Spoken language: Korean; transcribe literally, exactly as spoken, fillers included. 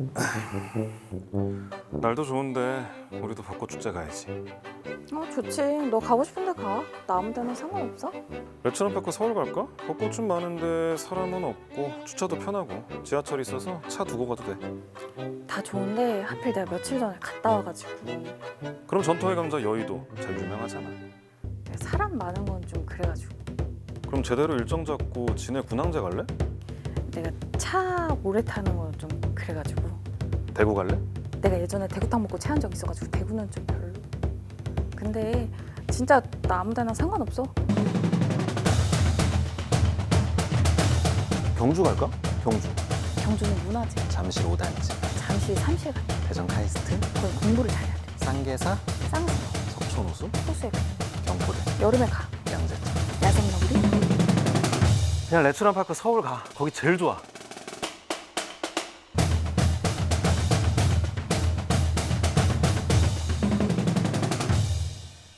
날도 좋은데 우리도 벚꽃 축제 가야지. 어 좋지. 너 가고 싶은데 가. 나 아무 데나 상관없어. 레츠런 뺏고 서울 갈까? 벚꽃 좀 많은데 사람은 없고 주차도 편하고 지하철 있어서 차 두고 가도 돼. 다 좋은데 하필 내가 며칠 전에 갔다 와가지고 그럼 전통의 강자 여의도 제일 유명하잖아. 사람 많은 건 좀 그래가지고 그럼 제대로 일정 잡고 진해 군항제 갈래? 내가 차 오래 타는 건 좀 그래가지고 대구 갈래? 내가 예전에 대구탕 먹고 체한 적 있어가지고 대구는 좀 별로. 근데 진짜 나 아무 데나 상관없어. 경주 갈까? 경주. 경주는 문화재. 잠실 오 단지. 잠시 삼실 같아. 대전 카이스트. 거기 공부를 잘해야 돼. 쌍계사. 쌍수, 석촌호수. 호수에 가. 경포대. 여름에 가. 양재천. 야생 너구리. 그냥 레츠런 파크 서울 가. 거기 제일 좋아.